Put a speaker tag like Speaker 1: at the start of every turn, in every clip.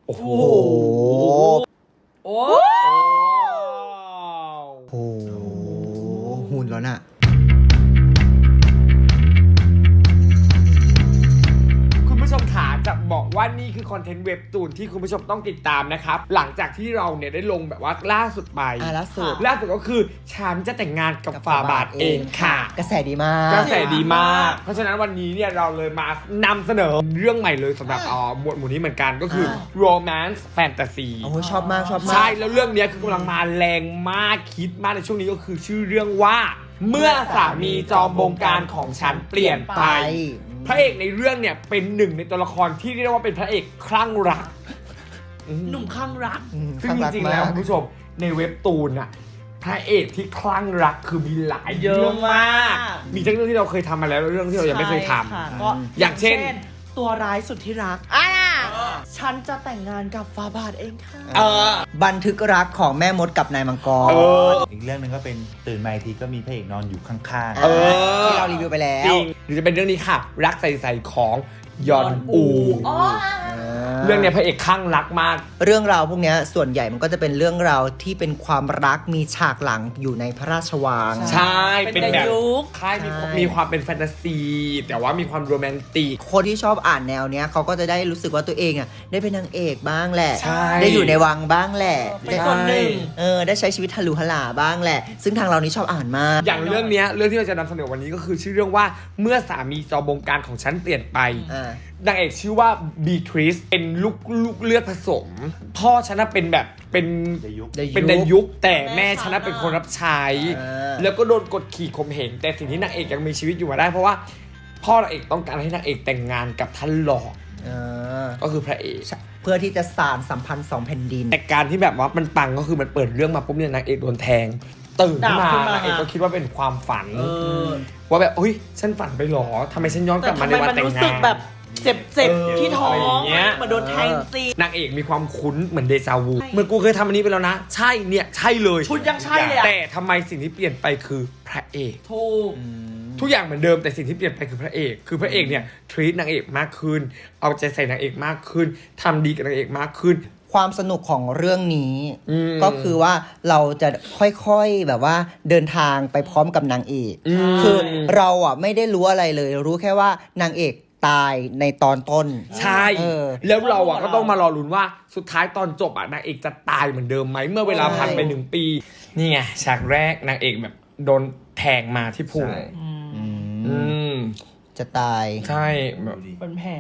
Speaker 1: โอ้โห
Speaker 2: โอ้
Speaker 1: โหหุ่นแล้วน่ะ
Speaker 2: คุณผู้ชมขาจะบอกว่านี่คือคอนเทนต์เว็บตูนที่คุณผู้ชมต้องติดตามนะครับหลังจากที่เราเนี่ยได้ลงแบบว่าล่าสุดไป
Speaker 1: ล่าสุด
Speaker 2: ก็คือฉันจะแต่งงานกับฝ่าบาทเองค่ะ
Speaker 1: กระแสดีมาก
Speaker 2: เพราะฉะนั้นวันนี้เนี่ยเราเลยมานำเสนอเรื่องใหม่เลยสำหรับหมวดหมู่นี้เหมือนกันก็คือ romance fantasy
Speaker 1: โอ้ชอบมาก
Speaker 2: ใช่แล้วเรื่องนี้คือกำลังมาแรงมากคิดมากในช่วงนี้ก็คือชื่อเรื่องว่าเมื่อสามีจอมบงการของฉันเปลี่ยนไปพระเอกในเรื่องเนี่ยเป็นหนึ่งในตัวละครที่เรียกว่าเป็นพระเอกคลั่งรัก
Speaker 3: หนุ่มคลั่งรัก
Speaker 2: ซึ่งจริงๆแล้วคุณผู้ชมในเว็บตูนอะพระเอกที่คลั่งรักคือมีหลายเรื่องมากมีทั้งเรื่องที่เราเคยทำมาแล้วและเรื่องที่เรายังไม่เคยทำอย่างเช่น
Speaker 3: ตัวร้ายสุดที่รักฉันจะแต่งงานกับฟาบาทเองค่ะ
Speaker 1: บันทึกรักของแม่มดกับนายมังกร
Speaker 4: อีกเรื่องหนึ่งก็เป็นตื่นมาอีกทีก็มีพระเอกนอนอยู่ข้าง
Speaker 1: ๆที่เรารีวิวไปแล้ว
Speaker 2: หรือจะเป็นเรื่องนี้ค่ะรักใสๆของยอนอูเรื่องเนี้ยพระเอกคลั่งรักมาก
Speaker 1: เรื่องราวพวกนี้ส่วนใหญ่มันก็จะเป็นเรื่องราวที่เป็นความรักมีฉากหลังอยู่ในพระราชวัง
Speaker 2: ใช่เป็นแบบค่ายมีความเป็นแฟนตาซีแต่ว่ามีความโรแมนติก
Speaker 1: คนที่ชอบอ่านแนวเนี้ยเขาก็จะได้รู้สึกว่าตัวเองอ่ะได้เป็นนางเอกบ้างแหละได้อยู่ในวังบ้างแหละ
Speaker 3: เป็นคนหนึ่ง
Speaker 1: ได้ใช้ชีวิตฮัลโหลฮัลาบ้างแหละซึ่งทางเรานี่ชอบอ่านมาก
Speaker 2: อย่างเรื่องที่เราจะนำเสนอวันนี้ก็คือชื่อเรื่องว่าเมื่อสามีจอมบงการของฉันเปลี่ยนไปนางเอกชื่อว่าบีทริสเป็นลูกเลือดผสมพ่อฉันเป็นแบบเป็นดายุกแต่แม่ฉันเป็นคนรับใช้แล้วก็โดนกดขี่ข่มเหงแต่สิ่งที่นางเอกยังมีชีวิตอยู่มาได้เพราะว่าพ่อนางเอกต้องการให้นางเอกแต่งงานกับท่านหลอดก็คือพระเอก
Speaker 1: เพื่อที่จะสานสัมพันธ์2แผ่นดิน
Speaker 2: แต่การที่แบบว่ามันปังก็คือมันเปิดเรื่องมาปุ๊บเนี่ยนางเอกโดนแทงตื่นขึ้นมานางเอกก็คิดว่าเป็นความฝันว่าแบบเฮ้ยฉันฝันไปหรอทำไมฉันย้อนกลับมาในวันแต่งงาน
Speaker 3: แบบเจ็บที่ท้องเหมือนโดนแทงซี
Speaker 2: นางเอกมีความคุ้นเหมือนเดจาวูเหมือนกูเคยทำอันนี้ไปแล้วนะใช่เนี่ยใช่เลย
Speaker 3: ชุดยังใช่เลย
Speaker 2: แต่ทำไมสิ่งที่เปลี่ยนไปคือพระเอกทุกอย่างเหมือนเดิมแต่สิ่งที่เปลี่ยนไปคือพระเอกคือพระเอกเนี่ยทรีตนางเอกมากขึ้นเอาใจใส่นางเอกมากขึ้นทำดีกับนางเอกมากขึ้น
Speaker 1: ความสนุกของเรื่องนี้ก็คือว่าเราจะค่อยๆแบบว่าเดินทางไปพร้อมกับนางเอกคือเราอ่ะไม่ได้รู้อะไรเลยรู้แค่ว่านางเอกตายในตอนต้น
Speaker 2: ใช่แล้วเราอ่ะก็ต้องมารอลุ้นว่าสุดท้ายตอนจบอ่ะนางเอกจะตายเหมือนเดิมไหมเมื่อเวลาผ่านไป1 ปีนี่ไงฉากแรกนางเอกแบบโดนแทงมาที่พุง
Speaker 1: จะตาย
Speaker 2: ใช่
Speaker 3: เป็นแผล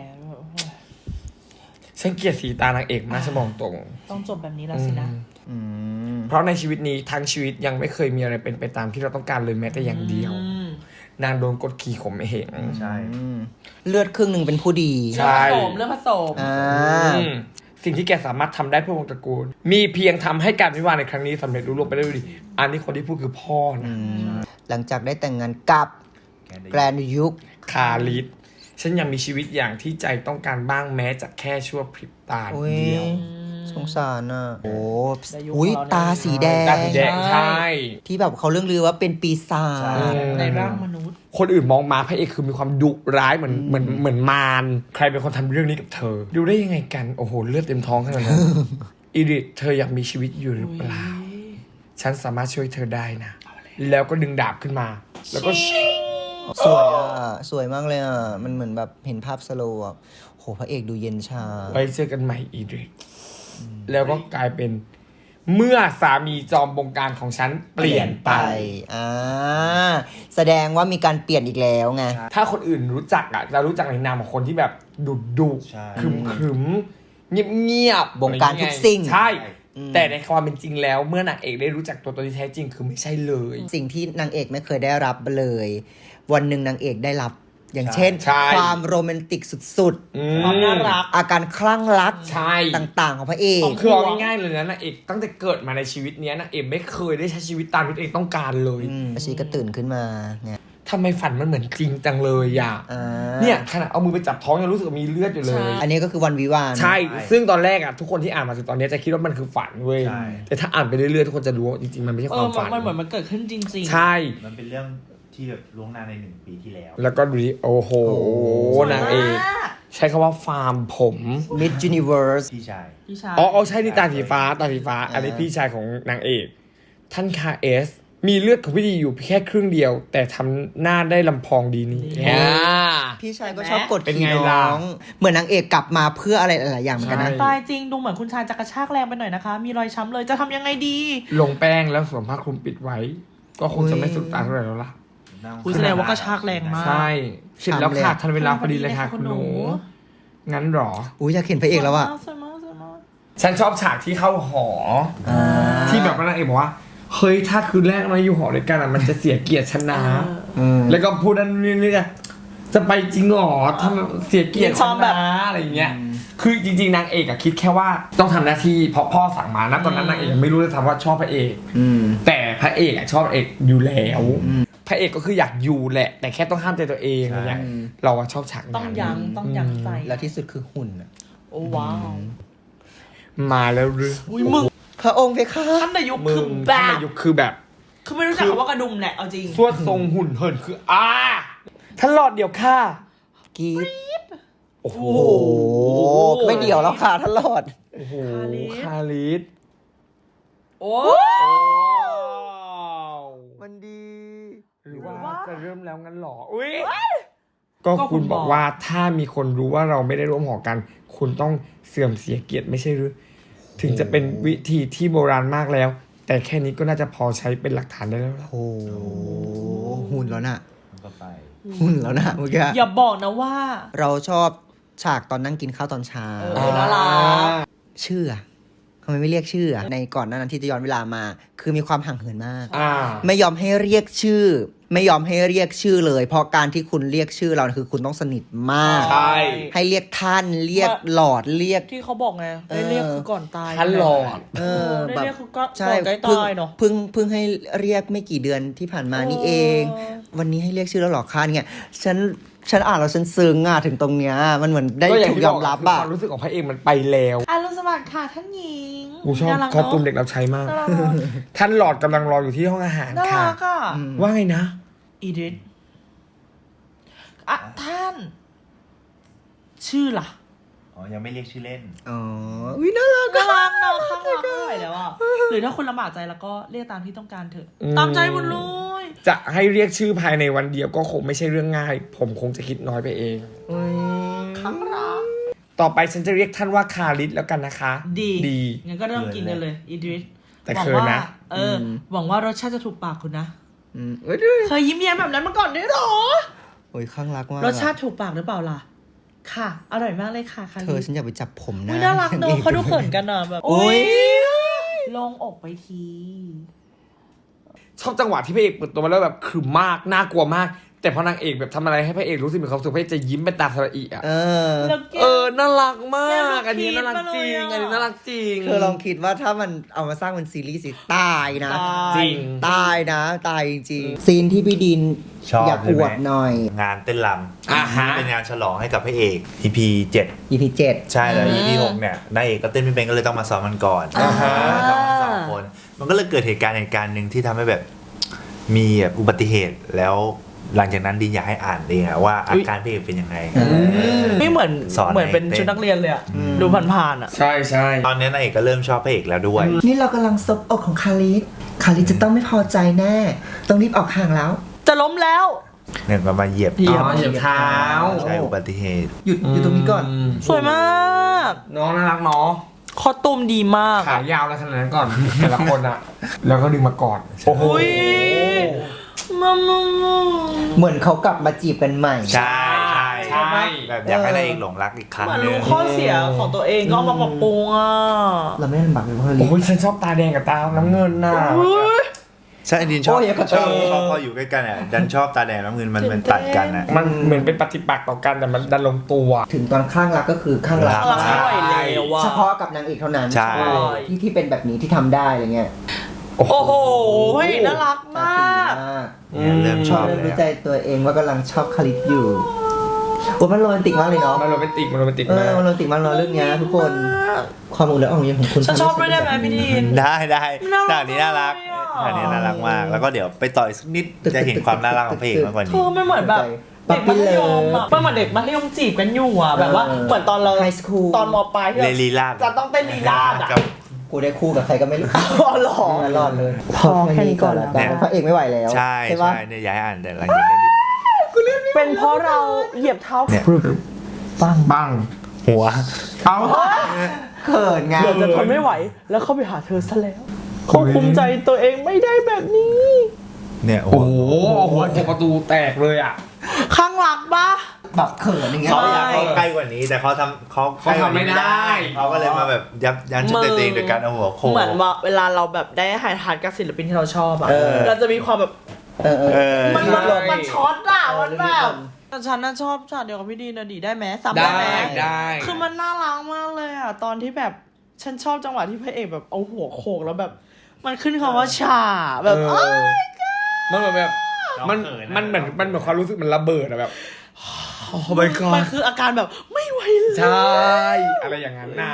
Speaker 2: ฉันเกลียดสีตานางเอกมากฉันบอกตรง
Speaker 3: ต้องจบแบบนี้แล้วสินะ
Speaker 2: เพราะในชีวิตนี้ทั้งชีวิตยังไม่เคยมีอะไรเป็นไปตามที่เราต้องการเลยแม้แต่อย่างเดียวนางโดนกดขี่ข่มเหง
Speaker 4: ใช่
Speaker 1: เลือดครึ่งหนึ่งเป็นผู้ดี
Speaker 2: ใช่
Speaker 3: เลือดผสม
Speaker 2: สิ่งที่แกสามารถทำได้เพื่อวงตระกูลมีเพียงทำให้การวิวาห์ในครั้งนี้สำเร็จรุ่งเรืองไปได้ด้วยดีอันนี้คนที่พูดคือพ่อนะ
Speaker 1: หลังจากได้แต่งงานกับแกรนด์ยุค
Speaker 2: คาริสฉันยังมีชีวิตอย่างที่ใจต้องการบ้างแม้จะแค่ชั่วพริบตาเดียว
Speaker 1: สงสารอ่ะโอ้ยตาสีแดง
Speaker 2: ใช่
Speaker 1: ที่แบบเขาเรื่องลือว่าเป็นปีศาจ
Speaker 3: ในร่างมนุษย์
Speaker 2: คนอื่นมองมาพระเอกคือมีความดุร้ายเหมือนมารใครเป็นคนทำเรื่องนี้กับเธอดูได้ยังไงกันโอ้โหเลือดเต็มท้องขนาดนั้นอีริทเธออยากมีชีวิตอยู่หรือเปล่าฉันสามารถช่วยเธอได้นะแล้วก็ดึงดาบขึ้นมาแล้วก็
Speaker 1: สวยอ่ะสวยมากเลยอ่ะมันเหมือนแบบเห็นภาพสโลว์อ่ะโหพระเอกดูเย็นชา
Speaker 2: ไปเจอกันใหม่อีริทแล้วก็กลายเป็นเมื่อสามีจอมบงการของฉันเปลี่ยนไป
Speaker 1: แสดงว่ามีการเปลี่ยนอีกแล้วไง
Speaker 2: ถ้าคนอื่นรู้จักอ่ะจะรู้จักในนามของคนที่แบบดุขรึมเงียบบ
Speaker 1: งการทุกสิ่ง
Speaker 2: ใช่แต่ในความเป็นจริงแล้วเมื่อนางเอกได้รู้จักตัวตนที่แท้จริงคือไม่ใช่เลย
Speaker 1: สิ่งที่นางเอกไม่เคยได้รับเลยวันหนึ่งนางเอกได้รับอย่างเช่นความโรแมนติกสุด
Speaker 3: ๆความน่ารัก
Speaker 1: อาการคลั่งรักต่างๆของพระเอก
Speaker 2: คือเอาง่ายๆเลยนะนางเอกตั้งแต่เกิดมาในชีวิตนี้นางเอกไม่เคยได้ใช้ชีวิตตามที่ตัวเองต้องการเลย
Speaker 1: ชีก็ตื่นขึ้นมาเนี่ย
Speaker 2: ทำไมฝันมันเหมือนจริงจังเลยอ่ะเนี่ยขณะเอามือไปจับท้องยังรู้สึกมีเลือดอยู่เลย
Speaker 1: อันนี้ก็คือวันวิวาห์
Speaker 2: ใช่ซึ่งตอนแรกอ่ะทุกคนที่อ่านมาถึงตอนนี้จะคิดว่ามันคือฝันเว้ยแต่ถ้าอ่านไปเรื่อยๆทุกคนจะรู้จริงๆมันไม่ใช่ความฝัน
Speaker 3: มันเหมือนมันเกิดขึ้นจริง
Speaker 2: ๆใช่
Speaker 4: มันเป็นเรื่องที่แบบล่วงหน้าใน1 ปีที่แล้ว
Speaker 2: แล้วก็ดูดิโอ้โหนางเอกใช้คำว่าฟาร์มผม
Speaker 1: Miss Universe
Speaker 4: พี่ชาย
Speaker 3: พี่ชาย
Speaker 2: อ๋อใช่นี่ตาสีฟ้าอันนี้พี่ชายของนางเอก ท่านคาเอส มีเลือดของพี่ดีอยู่แค่ครึ่งเดียว แต่ทำหน้าได้ลำพองดีนี่
Speaker 1: พี่ชายก็ชอบกด
Speaker 2: เป็น
Speaker 1: ขี่
Speaker 2: ไง
Speaker 1: น้
Speaker 2: ล่ะ
Speaker 1: อง เหมือนนางเอกกลับมาเพื่ออะไรหลายๆอย่างเหมือนกันนะ
Speaker 2: ใช่
Speaker 3: ตายจริงดูเหมือนคุณชายจะกระชากแรงไปหน่อยนะคะ มีรอยช้ำเลยจะทำยังไงดี
Speaker 2: ลงแป้งแล้วสวมผ้าคลุมปิดไว้ ก็คงจะไม่สุดตาเท่าไหร่แล้วล่ะ
Speaker 3: คุณแสดงว่ากระชากแรงมาก
Speaker 2: ใช่เสร็จแล้วค่ะ
Speaker 1: ทำเลย
Speaker 2: ทันเวลาพอดีเลยค่ะคุณหนู งั้นหรอ
Speaker 1: อุ้ยอยากเห็นพระเอกแล้วอะ
Speaker 3: สวยมากสวยมาก
Speaker 2: ฉันชอบฉากที่เข้าหออที่แบบว่านางเอกบอกว่าเฮ้ยถ้าคืนแรกเราอยู่หอด้วยกันอะมันจะเสียเกียรติฉันนะแล้วก็พูดนั่นนี่จะไปจริงหรอถ้าเสียเกียรติฉันนะอะไรอย่างเงี้ยคือจริงๆนางเอกอะคิดแค่ว่าต้องทำหน้าที่เพราะพ่อสั่งมานะตอนนั้นนางเอกยังไม่รู้เลยซ้ำว่าชอบพระเอก แต่พระเอกอะชอบพระเอกอยู่แล้วพระเอกก็คืออยากอยู่แหละ แต่แค่ต้องห้ามใจตัวเองอะไรเงี้ยเราอะชอบฉากนั้น
Speaker 3: ต้องยั้งใจ
Speaker 1: แล้วที่สุดคือหุ่นอะ
Speaker 3: โอ้ว้าว
Speaker 2: มาแล้วหรือ
Speaker 3: อุ้ยมึง
Speaker 1: พระองค์เพคะ
Speaker 3: ท่านนายก
Speaker 2: มึ
Speaker 3: คือง แบ
Speaker 2: ท่าน
Speaker 3: บ
Speaker 2: นายกคือแบบ
Speaker 3: คือไม่รู้จักคำว่ากระดุมแหละเอาจริง
Speaker 2: สวดทรงหุ่นเหินคือท่านหลอดเดียวค่ะ
Speaker 1: กรีด
Speaker 2: โอ้โห
Speaker 1: โอ้ไม่เดี่ยวแล้วค่ะท่านหลอด
Speaker 2: โอ้โห
Speaker 3: คา
Speaker 2: คาลิส
Speaker 3: โอ้
Speaker 1: มันดี
Speaker 2: หรือว่าจะเริ่มแล้วงั้นหรออุ้ยก็คุณบอกว่าถ้ามีคนรู้ว่าเราไม่ได้ร่วมหอกัน คุณต้องเสื่อมเสียเกียรติไม่ใช่หรือถึงจะเป็นวิธีที่โบราณมากแล้ว แต่แค่นี้ก็น่าจะพอใช้เป็นหลักฐานได้แล้วล่ะ
Speaker 1: โอ้หุ่นแล้วน่ะ
Speaker 4: ก็ไป
Speaker 1: หุ่นแล้วน่ะเมื่อกี้
Speaker 3: อย่าบอกนะว่า
Speaker 1: เราชอบฉากตอนนั่งกินข้าวตอนเช้า
Speaker 3: น่ารัก
Speaker 1: ชื่ออะทำไมไม่เรียกชื่ออะในก่อนหนานั้นที่จะย้อนเวลามา คือมีความห่างเหินมาก ไม่ยอมให้เรียกชื่อ ไม่ยอมให้เรียกชื่อเลย เพราะการที่คุณเรียกชื่อเราคือคุณต้องสนิทมาก
Speaker 2: ใช่
Speaker 1: ให้เรียกท่านเรียกหลอดเรียก
Speaker 3: ที่เขาบอกไงได้เรียกคือก่อนตาย
Speaker 2: ท่านหลอด
Speaker 3: ได้
Speaker 1: แบบ
Speaker 3: เรียกคือก่อน
Speaker 1: ใช่
Speaker 3: ใกล้
Speaker 1: เพิ่ง
Speaker 3: ตายเนาะ
Speaker 1: เพิ่งให้เรียกไม่กี่เดือนที่ผ่านมานี่เอง วันนี้ให้เรียกชื่อแล้วหรอคะเนี่ยฉันอ่านแล้วฉันซึ้งอ่ะถึงตรงเนี้ยมันเหมือนได้
Speaker 2: ก็อย่าง
Speaker 1: ถูก
Speaker 2: ที่
Speaker 1: ย
Speaker 2: บ
Speaker 1: อ
Speaker 2: อก
Speaker 1: มรับ
Speaker 2: คือ
Speaker 1: อ่ะ
Speaker 2: ความรู้สึกของพระเอกมันไปแล้ว
Speaker 3: อรุณสวัสดิ์ค่ะท่านหญิง
Speaker 2: กูชอบ
Speaker 3: น่ารัก
Speaker 2: คอสตูม
Speaker 3: เน
Speaker 2: เด็กรับใช้มาก
Speaker 3: น่ารักเนอะ
Speaker 2: ท่านหลอดกำลังรออยู่ที่ห้องอาหาร
Speaker 3: น่า
Speaker 2: ค่ะ
Speaker 3: รักอ่ะ
Speaker 2: ว่าไงนะ
Speaker 3: อีดิทอ่ะท่าน ชื่อล่ะ
Speaker 4: อ๋อ ยังไม่เรียกชื่อเล่น
Speaker 1: อ๋อวิน่ารัก
Speaker 3: น่ารักเนาะข้างรักไม่ไหวแล้วอ่ะหรือถ้าคุณลำบากใจแล้วก็เรียกตามที่ต้องการเถอะ ตามใจหมดเลย
Speaker 2: จะให้เรียกชื่อภายในวันเดียวก็คงไม่ใช่เรื่องง่าย ผมคงจะคิดน้อยไปเอง
Speaker 3: ข้างรัก
Speaker 2: ต่อไปฉันจะเรียกท่านว่าคาริสแล้วกันนะคะ
Speaker 3: ดี
Speaker 2: ดี
Speaker 3: งั้นก็เริ่มกินกันเลยอีดิท
Speaker 2: แต่
Speaker 3: หวัง
Speaker 2: เขิน
Speaker 3: ว่า
Speaker 2: นะ
Speaker 3: หวังว่ารสชาติจะถูกปากคุณนะ
Speaker 1: เอ้ยด้วย
Speaker 3: เคยยิ้มแย้มแบบนั้นมาก่อนด้วยเหรอ
Speaker 1: โอ้ยข้างรักมาก
Speaker 3: รสชาติถูกปากหรือเปล่าล่ะ ค่ะ อร่อยมากเลยค่ะคา
Speaker 1: เธอฉันอยากไปจับผมนะ
Speaker 3: อุ้ยน่ารักเนอะเขาดูเขินกันอ่ะแบบ
Speaker 1: โอ้ย
Speaker 3: ลงอกไปที
Speaker 2: ชอบจังหวะที่พระเอกเปิดตัวมาแล้วแบบขรึมมากน่ากลัวมาก แต่พอนางเอกแบบทำอะไรให้พระเอกรู้สึกมีความสุขพระเอกจะยิ้มเป็นตาสระอิอ่ะ
Speaker 3: แล้วแก
Speaker 2: น่ารักมาก
Speaker 3: แก
Speaker 2: อันนี้น่ารักจริง
Speaker 3: มาเลยอะ
Speaker 2: อันนี้น่ารักจริง
Speaker 1: เธอลองคิดว่าถ้ามันเอามาสร้างเป็นซีรีส์สิตายนะ
Speaker 2: จริง
Speaker 1: ตายนะตายจริงๆซีนที่พี่ดิน
Speaker 4: ชอบ
Speaker 1: อยากอวดหน่อย
Speaker 4: งานเต้นร
Speaker 2: อ่าฮะ
Speaker 4: ำเป็นงานฉลองให้กับพระเอก EP 7
Speaker 1: EP 7
Speaker 4: ใช่แล้ว EP 6เนี่ยนายเอกก็เต้นไม่เป็นก็เลยต้องมาซ้อมมันก่อน
Speaker 2: อ่าฮะ
Speaker 4: ซ้อมกันสองคน มันก็เลยเกิดเหตุการณ์หนึ่งที่ทำให้แบบมีแบบอุบัติเหตุแล้วหลังจากนั้นดินอยากให้อ่านเองอะว่าอาการพระเอกเป็นยังไง
Speaker 3: ไม่เหมือน
Speaker 4: สอน
Speaker 3: เหมือนเป็น
Speaker 4: ให้เต้น
Speaker 3: ชุดนักเรียนเลยอะดูผ่านๆอะ
Speaker 2: ใช่ใช่
Speaker 4: ตอนนี้นายเอกก็เริ่มชอบพระเอกแล้วด้วย
Speaker 1: นี่เรากำลังซบอกของคาริสจะต้องไม่พอใจแน่ ต้องรีบออกห่างแล้ว
Speaker 3: จะล้มแล้ว
Speaker 4: เนี่ยก็มาเหยียบ
Speaker 3: เหยียบ
Speaker 2: เหยียบเท้า
Speaker 4: ใช่อุบัติเหตุ
Speaker 1: หยุดตรงนี้ก่อน
Speaker 3: สวยมาก
Speaker 2: น้องน่ารักเนาะ
Speaker 3: คอตูมดีมาก
Speaker 2: ขายาวแล้วขนาดนั้นก่อน แต่ละคนอะแล้วก็ดึงมากอดโอ้โห
Speaker 3: อุ๊ย มา
Speaker 1: เหมือนเขากลับมาจีบกันใหม่
Speaker 4: ใช่ใช่
Speaker 2: ใช่
Speaker 4: แบบอยากให้นายเอกหลงรักอีกครั้ง
Speaker 3: เหมือน
Speaker 4: หนึ
Speaker 3: รู้
Speaker 4: ง
Speaker 3: ข้อเสียของตัวเองก็เอามาปรับปรุงอ่ะ
Speaker 1: เราไม่ได้ลำบากเลยเพราะคาริ
Speaker 2: โอ้ยฉันชอบตาแดงกับตาน้ำเงินน่ะ
Speaker 3: อุ๊ย
Speaker 4: ใช่ดินชอบ
Speaker 1: โอ้ยกระ
Speaker 4: ช
Speaker 1: เท
Speaker 4: อบ
Speaker 1: ย
Speaker 4: ชอบพออยู่ใกล้กันอ่ะดันชอบตาแดงน้ำเงินมันตัดกันอ่ะ
Speaker 2: มันเหมือนเป็นปฏิปักษ์ต่อกันแต่มันดันลงตัว
Speaker 1: ถึงตอนข้างรักก็คือข้างรัก
Speaker 3: รักไม่ไหวแล้วอะ
Speaker 1: เฉพาะกับนางเอกเท่านั้น
Speaker 4: ใช่
Speaker 1: ที่เป็นแบบนี้ที่ทำได้อะไรเงี้ย
Speaker 3: โอ้โหเฮ้ยน่ารักมาก
Speaker 4: เนี่ยเริ่มชอบ
Speaker 1: เริ่ม
Speaker 4: เลย
Speaker 1: รู้ใจตัวเองว่ากำลังชอบคาริสอยู่โอ้มันโรแมนติกมากเลยเนาะ
Speaker 2: มันโรแมนติกมันโรแมนติก
Speaker 1: เอ
Speaker 2: มา
Speaker 1: อก มันโรแมนติกมากเนาะเรื่องเนี้ยทุกคนความอุ่นและอ่อนโยนของคุณ
Speaker 3: ฉันชอบด้วยได้ไหมพี่ดิน
Speaker 4: ได้
Speaker 3: น่ารัก
Speaker 4: ฉากนี้น่ารัก
Speaker 3: เลยอะ
Speaker 4: ฉากนี้น่ารักมาก แล้วก็เดี๋ยวไปต่ออีกสักนิดจะเห็นความน่ารักของพระเอกมากกว่า
Speaker 3: เธ
Speaker 4: นี้
Speaker 3: อไม่เหมือนแบบเด็กมัธยมอะเป็นเหมือนเด็กมัธยมจีบกันอยู่อะแบบว่าเหมือนตอนเรา
Speaker 1: ไฮสคูล
Speaker 3: ตอนมปลายที่
Speaker 4: เล
Speaker 3: เรา
Speaker 4: ลีลาด
Speaker 3: จะต้องเต้นลีลาดอะ
Speaker 4: กับ
Speaker 1: กูได้คู่กับใครก็ไม่รู้
Speaker 3: อ๋อเหรอ
Speaker 1: รอดเลย
Speaker 3: พอแค่นี้ก่อนแล้ว
Speaker 1: พระเอกไม่ไหวแล้ว
Speaker 4: ใช่
Speaker 1: ปะ
Speaker 4: ใช่เนี่ยย้ายอ่านแต่หลังจากนี้ดิ
Speaker 3: เป็นเพราะเราเหยียบเท้า
Speaker 4: เนี่ย
Speaker 2: บ้าง
Speaker 4: หัว
Speaker 2: เอา
Speaker 1: เขินไง
Speaker 3: เดี๋ยวจะทนไม่ไหว แล้วเข้าไปหาเธอซะแล้วควบคุมใจตัวเองไม่ได้แบบนี้
Speaker 4: เนี่ย
Speaker 2: โอ้โหหัวประตูแตกเลยอ่ะ
Speaker 3: ข้างหลังปะ
Speaker 1: แบบเขินอย่างเงี้ย
Speaker 4: เขาอยากเข้าใกล้กว่านี้แต่เขาทำเขาใกล้กว่านี้
Speaker 2: เขาทำไม่ได้
Speaker 4: เขาก็เลยมาแบบยันจุดตัวเองโดยการเอาหัวโขก
Speaker 3: เหมือนว่าเวลาเราแบบได้หายทานกับศิลปินที่เราชอบอะ
Speaker 1: เออ
Speaker 3: เราจะมีความแบบ
Speaker 1: เออ
Speaker 3: มันช็อตอะมันแบ
Speaker 1: เออ
Speaker 3: บแต่ฉันน่ะชอบฉากเดียวกับพี่ดีนะดีได้ไหมซ้ำ
Speaker 2: ได้
Speaker 3: ไหม
Speaker 2: ได้
Speaker 3: คือมันน่ารักมากเลยอะตอนที่แบบฉันชอบจังหวะที่พระเอกแบบเอาหัวโขกแล้วแบบ มันขึ้นคำว่าฉาแบบ
Speaker 2: เอ
Speaker 3: เอ้
Speaker 2: อย มันเหมือนแบบมันเหมือนความรู้สึกมันระเบิดอะแบบโอ้ my
Speaker 3: มัน
Speaker 2: god
Speaker 3: คืออาการแบบไม่ไหวเลย
Speaker 2: ใช่อะไรอย่างนั้นน่ะ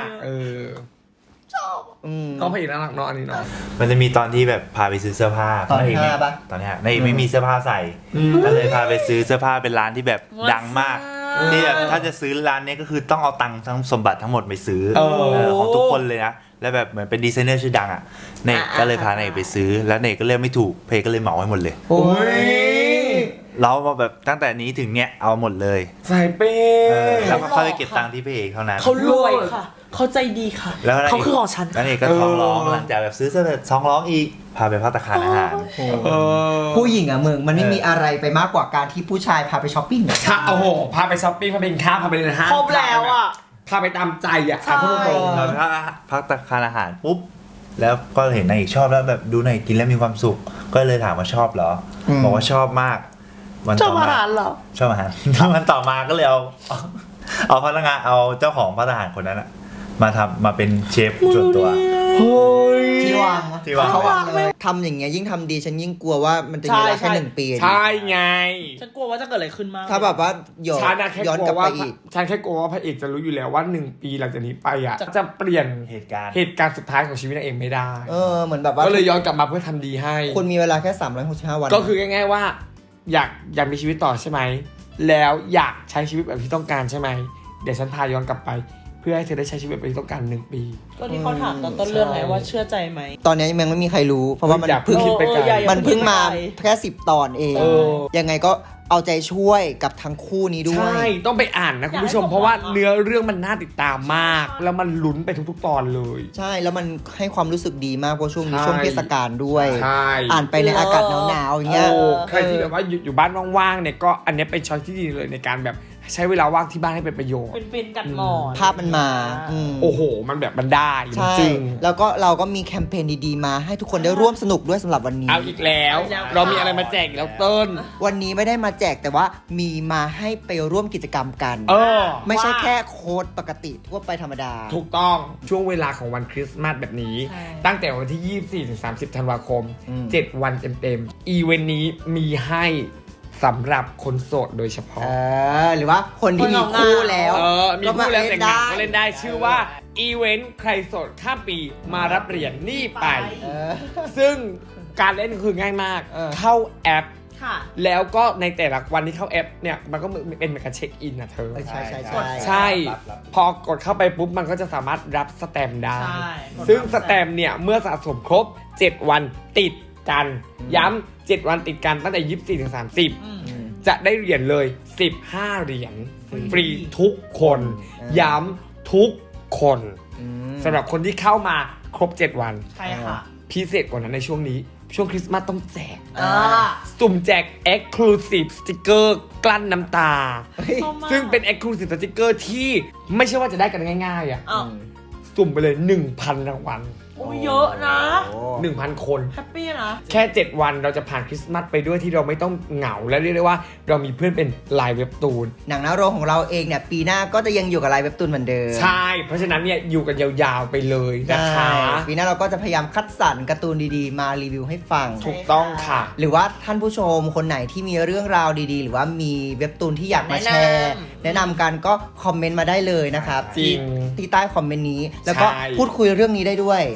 Speaker 1: อืม
Speaker 2: ก็พระเอกน่ารักเนาะอันนี้เนาะ
Speaker 4: มันจะมีตอนที่แบบพาไปซื้อเสื้อผ้า
Speaker 1: ตอน
Speaker 4: พระเก
Speaker 1: 5ปะ
Speaker 4: ตอนนี้นายเอกไม่มีเสื้อผ้าใส่ก็เลยพาไปซื้อเสื้อผ้าเป็นร้านที่แบบดังมากที่แบบถ้าจะซื้อร้านนี้ก็คือต้องเอาตังค์ทั้งสมบัติทั้งหมดไปซื้อของทุกคนเลยนะแล้วแบบเหมือนเป็นดีไซเนอร์ชื่อดังอ่ะเนกก็เลยพานายเอกไปซื้อแล้วเนกก็เลือกไม่ถูกเพก็เลยเหมาให้หมดเลย
Speaker 1: โอ้ย
Speaker 4: เรามาแบบตั้งแต่นี้ถึงเนี้ยเอาหมดเลย
Speaker 2: ใส่เป้
Speaker 4: แล้วก็เข้าไปเก็บตังค์ที่พระเอกเท่านั้น
Speaker 3: เขารวยค่ะ เขาใจดีค่ะ
Speaker 4: แล้วนาย
Speaker 3: เขาคือของฉัน
Speaker 4: แล้วเอกก็ท้องร้องหลังจากแบบซื้อเสื้อเสร็จท้องร้องอีกพาไปภัตตาคารอาหาร
Speaker 1: ผู้หญิงอะมึงมันไม่มีอะไรไปมากกว่าการที่ผู้ชายพาไปช้อปปิ้งอะ
Speaker 2: ถ้าโอ้โหพาไปช้อปปิ้งพาไปกินข้าวพาไปเดินห้าง
Speaker 3: ครบแล้วอะ
Speaker 2: พาไปตามใจอ่ะ
Speaker 3: ใช่
Speaker 2: พูดตรง
Speaker 4: เราถ้าพักตาคารอาหารปุ๊บแล้วก็เห็นนายเอกชอบแล้วแบบดูนายเอกกินแล้วมีความสุข ก็เลยถามว่าชอบเหรอบอกว่าชอบมากวัน
Speaker 3: ชอ
Speaker 4: ต่
Speaker 3: บ
Speaker 4: อ
Speaker 3: อา
Speaker 4: มา
Speaker 3: หารเหรอ
Speaker 4: ชอบอาหาร วันต่อมาก็เลยเอาพนักงานเอาเจ้าของพัตตาคารคนนั้นอะมาเป็นเชฟส่วนตัว
Speaker 2: เฮ้ย
Speaker 1: ที่วาง
Speaker 4: ที่วาง
Speaker 1: เขาวางเลยทำอย่างเงี้ยยิ่งทำดีฉันยิ่งกลัวว่ามันจะมีเวลาแค่1 ปี
Speaker 2: ใช่ไง
Speaker 3: ฉันกลัวว่าจะเกิดอะไรขึ้นมาก
Speaker 1: ถ้าแบบว่า
Speaker 2: ฉันแค่
Speaker 1: ย้อน
Speaker 2: กลั
Speaker 1: กลั
Speaker 2: ว
Speaker 1: บ
Speaker 2: ว่า
Speaker 1: ไปอีก
Speaker 2: ฉันแค่กลัวว่าพระเอกจะรู้อยู่แล้วว่า1 ปีหลังจากนี้ไปอ่ะจะเปลี่ยน
Speaker 4: เหตุการณ์
Speaker 2: เหตุการณ์สุดท้ายของชีวิตนางเอกไม่ได้
Speaker 1: เหมือนแบบว่า
Speaker 2: ก็เลยย้อนกลับมาเพื่อทำดีให้
Speaker 1: คุณมีเวลาแค่365 วัน
Speaker 2: ก็คือง่ายๆว่า อยากมีชีวิตต่อใช่ไหมแล้วอยากใช้ชีวิตแบบที่ต้องการใช่ไหมเดี๋ยวฉันพาย้อนกลับไป เพื่อให้เธอได้ใช้ชีวิตแบบที่ต้องการ1 ปี
Speaker 3: ก็ที่เขาถามตอนต้นเรื่องไงว่าเชื่อใจไหม
Speaker 1: ตอนนี้ยังไม่มีใครรู้ เพราะว่ามัน
Speaker 2: อยาก
Speaker 1: เพิ่ง
Speaker 2: คิดไปไกล
Speaker 1: มันเพิ่งมาแค่10 ตอนเอง
Speaker 2: เออ
Speaker 1: ยังไงก็เอาใจช่วยกับทั้งคู่นี้ด้วย
Speaker 2: ใช่ต้องไปอ่านนะคุณผู้ชม เพราะว่าเนื้อเรื่องมันน่าติดตามมาก แล้วมันลุ้นไปทุกๆตอนเลย
Speaker 1: ใช่แล้วมันให้ความรู้สึกดีมากเพราะช่วงนี้
Speaker 2: ใช่
Speaker 1: ช่วงเทศกาลด้วย
Speaker 2: ใช่
Speaker 1: อ่านไปในอากาศหนาวๆอย่างเงี้ย
Speaker 2: โอ้ใครที่แบบว่าอยู่บ้านว่างๆเนี่ยก็อันเนี้ยเป็นช้อยที่ดีเลยในการแบบใช้เวลาว่างที่บ้านให้เป็นประโยชน์
Speaker 3: เป็นฟินกันหมอน
Speaker 1: ภาพมันมาอืม
Speaker 2: โอ้โห มันแบบมันได้มัน
Speaker 1: ใช่
Speaker 2: จริง
Speaker 1: แล้วก็เราก็มีแคมเปญดีๆมาให้ทุกคนได้ร่วมสนุกด้วยสำหรับวันนี้
Speaker 2: เอาอีกแล้ว เรามีอะไรมาแจกอีกแล้วเติ้ล
Speaker 1: วันนี้ไม่ได้มาแจกแต่ว่ามีมาให้ไปร่วมกิจกรรมกัน
Speaker 2: เออ
Speaker 1: ไม่ใช่แค่โค้ดปกติทั่วไปธรรมดา
Speaker 2: ถูกต้องช่วงเวลาของวันคริสต์มาสแบบนี้
Speaker 3: ใช่
Speaker 2: ตั้งแต่วันที่ 24 ถึง 30 ธันวาคม
Speaker 1: อืม
Speaker 2: 7 วันเต็มๆ อีเวนต์นี้มีให้สำหรับคนโสดโดยเฉพาะ
Speaker 1: หรือว่าคนที่มีคู่แล้ว
Speaker 2: มีคู่แล้วแต่งงานก็เล่นได้
Speaker 1: เ
Speaker 2: ชื่อว่าอีเวนต์ใครโสดข้ามปีมารับเหรียญนี่ไป
Speaker 1: เออ
Speaker 2: ซึ่งการเล่นคือง่ายมาก
Speaker 1: เออ
Speaker 2: เข้าแอป
Speaker 3: ค่ะ
Speaker 2: แล้วก็ในแต่ละวันที่เข้าแอปเนี่ยมันก็เป็นเหมือนกับเช็คอินนะเธอ
Speaker 1: ใช่ใช่
Speaker 2: ใช่ พอกดเข้าไปปุ๊บมันก็จะสามารถรับสแตมป์ได้
Speaker 3: ใช่
Speaker 2: ซึ่งสแตมป์เนี่ยเมื่อสะสมครบ 7 วันติดกัน ย้ำ7 วันติดกันตั้งแต่ 24 ถึง 30
Speaker 3: อืม
Speaker 2: จะได้เหรียญเลย 15 เหรียญฟรีทุกคน ย้ำทุกคนสำหรับคนที่เข้ามาครบ 7 วัน
Speaker 3: ใช่ค่ะ
Speaker 2: พิเศษกว่านั้นในช่วงนี้ ช่วงคริสต์มาสต้องแจก
Speaker 3: อ่า
Speaker 2: สุ่มแจก Exclusive Sticker กลั้นน้ำตา
Speaker 3: ชอบมาก
Speaker 2: ซึ่งเป็น Exclusive Sticker ที่ไม่ใช่ว่าจะได้กันง่ายๆอ่ะ
Speaker 3: อ้าว
Speaker 2: สุ่มไปเลย 1,000 รางวัล
Speaker 3: โอ้ยเยอะนะ
Speaker 2: 1,000 คน
Speaker 3: แฮปปี้นะ
Speaker 2: แค่ 7 วันเราจะผ่านคริสต์มาสไปด้วยที่เราไม่ต้องเหงา และเรียกได้ว่าเรามีเพื่อนเป็นไลน์เว็บตูน
Speaker 1: หนังหน้าโรงของเราเองเนี่ยปีหน้าก็จะยังอยู่กับไลน์เว็บตูนเหมือนเดิม
Speaker 2: ใช่ เพราะฉะนั้นเนี่ยอยู่กันยาวๆไปเลยนะคะ
Speaker 1: ใช่ปีหน้าเราก็จะพยายามคัดสรรการ์ตูนดีๆ มารีวิวให้ฟัง
Speaker 2: ถูกต้องค่ะ
Speaker 1: หรือว่าท่านผู้ชมคนไหนที่มีเรื่องราวดีๆ หรือว่ามีเว็บตูนที่อยากมาแชร์ แนะนำกันก็คอมเมนต์มาได้เลยนะครับ
Speaker 2: จริง
Speaker 1: ที่ใต้คอมเมนต์นี้ แล้วก็
Speaker 2: ใช่
Speaker 1: พูดคุยเรื่องนี้ได้ด้วย
Speaker 2: ใ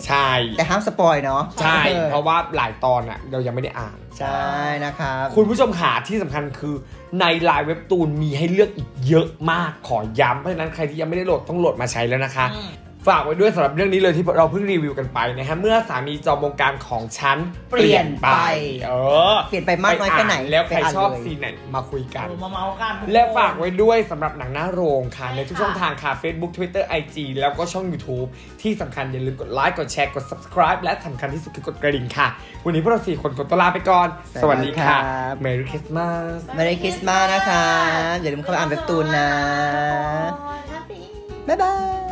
Speaker 2: ใช่
Speaker 1: แต่ห้ามสปอยเนาะ
Speaker 2: ใช่ เพราะว่าหลายตอนอ่ะเรายังไม่ได้อ่าน
Speaker 1: ใช่นะครับ
Speaker 2: คุณผู้ชมขาที่สำคัญคือในไลน์เว็บตูนมีให้เลือกอีกเยอะมากขอย้ำเพราะฉะนั้นใครที่ยังไม่ได้โหลดต้องโหลดมาใช้แล้วนะคะ ฝากไว้ด้วยสำหรับเรื่องนี้เลยที่เราเพิ่งรีวิวกันไปนะฮะเมื่อสามีจอมวงการของฉันเปลี่ยนไป
Speaker 1: เปลี่ยนไปมากน้อยแค่ไหน
Speaker 2: แล้วใคร
Speaker 1: ไปาน
Speaker 2: ชอบ
Speaker 1: เลย
Speaker 2: ซีนไหนมาคุยกัน
Speaker 3: มาเมาส์กัน
Speaker 2: และฝากไว้ด้วยสำหรับหนังหน้าโรงค่ะในทุกช่องทางค่ะ Facebook Twitter IG แล้วก็ช่อง YouTube ที่สำคัญอย่าลืมกดไลค์กดแชร์กด subscribe และสำคัญที่สุดคือกดกระดิ่งค่ะ วันนี้พวกเรา4คนขอตัวลาไปก่อน สวัสดีค่ะ Merry Christmas
Speaker 1: Merry Christmas นะคะอย่าลืมเข้าไปอ่านเว็บตูนนะ บ๊ายบาย